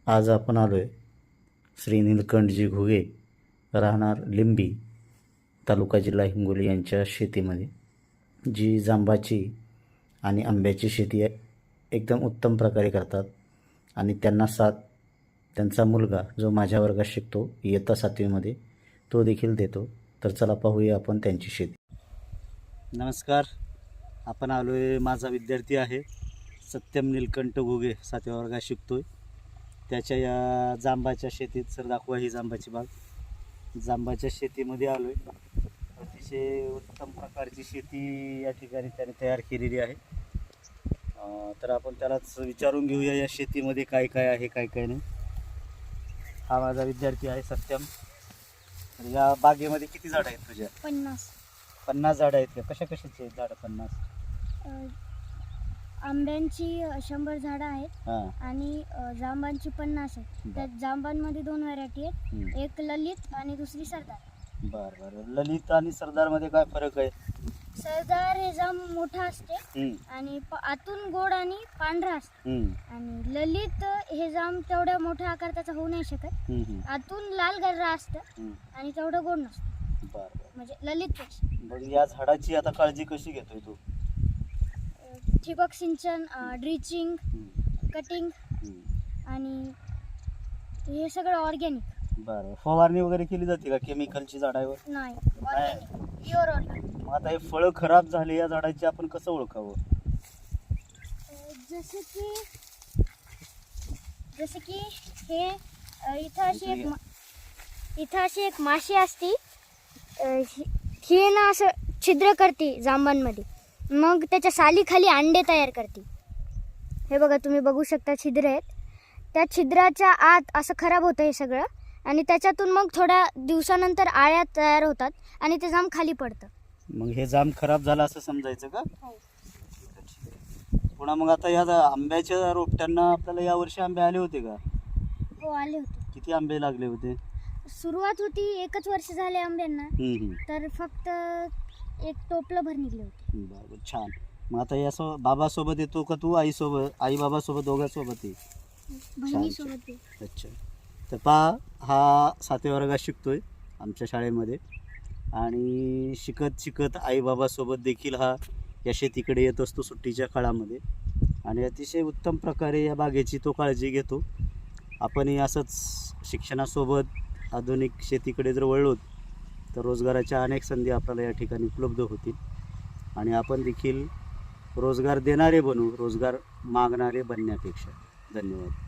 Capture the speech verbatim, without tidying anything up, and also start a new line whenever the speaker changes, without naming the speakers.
आज आपण आलो आहे श्री नीलकंठजी घुगे राहणार लिंबी तालुका जिल्हा हिंगोली यांच्या शेतीमध्ये, जी जांबाची आणि आंब्याची शेती एकदम उत्तम प्रकारे करतात आणि त्यांना साथ त्यांचा मुलगा जो माझ्या वर्गात शिकतो इयत्ता सातवीमध्ये तो देखील देतो. तर चला पाहूया आपण त्यांची शेती. नमस्कार, आपण आलो आहे, माझा विद्यार्थी आहे सत्यम नीलकंठ घुगे, सातव्या वर्गात शिकतोय. त्याच्या या जांबाच्या शेतीत सर दाखवा, ही जांबाची बाग. जांबाच्या शेतीमध्ये आलो आहे. अतिशय उत्तम प्रकारची शेती या ठिकाणी त्याने तयार केलेली आहे. तर आपण त्यालाच विचारून घेऊया या शेतीमध्ये काय काय आहे काय काय नाही. हा माझा विद्यार्थी आहे सत्यम. तर या बागेमध्ये किती झाडं आहेत तुझ्या?
पन्नास.
पन्नास झाडं आहेत का? कशा कशाची आहेत झाडं? पन्नास.
आंब्यांची शंभर झाडं आहेत
हां.
आणि अ, जांबांची पन्नास आहेत. त्यात जांबांमध्ये दोन व्हरायटी आहेत, एक ललित आणि दुसरी सरदार.
बरं बरं. ललित आणि सरदारमध्ये काय फरक आहे?
सरदार हे जांब मोठा असते
हम्म,
आणि प- आतून गोड आणि पांढरा असते,
हम्म,
आणि ललित हे जांब तेवढ्या मोठ्या आकाराचा होऊ नाही शकत.
हम्म, हम्म,
आतून लाल गर्रा असतं
हम्म.
आणि तेवढं गोड नसतं,
बरं बरं.
म्हणजे ललित पेक्षा.
मग या झाडाची आता काळजी कशी घेतोय तू?
ठिबक सिंचन, ड्रिचिंग,
हम्म,
कटिंग
हम्म.
आणि हे सगळं ऑर्गॅनिक.
बरं. फवारणी वगैरे केली जाते का केमिकलची झाडावर?
नाही, ऑर्गॅनिक, प्युअर ऑर्गॅनिक.
मग आता हे फळं खराब झाले या झाडाची आपण कसं ओळखावं?
जसं की जसं की हे अ, इथं अशी एक मा- इथं अशी एक माशी असती, अ, ही- ही ना असं छिद्र करते जांबांमध्ये, मग त्याच्या सालीखाली अंडे तयार करते. हे बघा, तुम्ही बघू शकता छिद्र आहेत. त्या छिद्राच्या आत असं खराब होतं हे सगळं, आणि त्याच्यातून मग थोड्या दिवसानंतर आळ्या तयार होतात आणि ते जांब खाली पडतं.
मग हे जांब खराब झालं असं समजायचं का? पुन्हा मग आता या जा- आंब्याच्या रोपट्यांना आपल्याला यावर्षी आंबे आले होते का?
हो, आले होते.
किती आंबे लागले होते?
सुरुवात होती, एकच वर्ष झाले आंब्यांना,
हम्म, हम्म.
तर फक्त एक टोपलं भर निघले होते.
बरं, छान. मग आता या सो बाबासोबत येतो का तू? आईसोबत, आई बाबासोबत दोघांसोबत ये?
बहिणीसोबत.
अच्छा. तर पहा, हा सातव्या वर्गात शिकतोय आमच्या शाळेमध्ये, आणि शिकत शिकत आईबाबासोबत देखील हा या शेतीकडे येत असतो सुट्टीच्या काळामध्ये, आणि अतिशय उत्तम प्रकारे या बागेची तो काळजी घेतो. आपणही असंच शिक्षणासोबत आधुनिक शेतीकडे जर वळलो तर रोजगाराच्या अनेक संधी आपल्याला या ठिकाणी उपलब्ध होतील, आणि आपण देखील रोजगार देणारे बनू, रोजगार मागणारे बनण्यापेक्षा. धन्यवाद.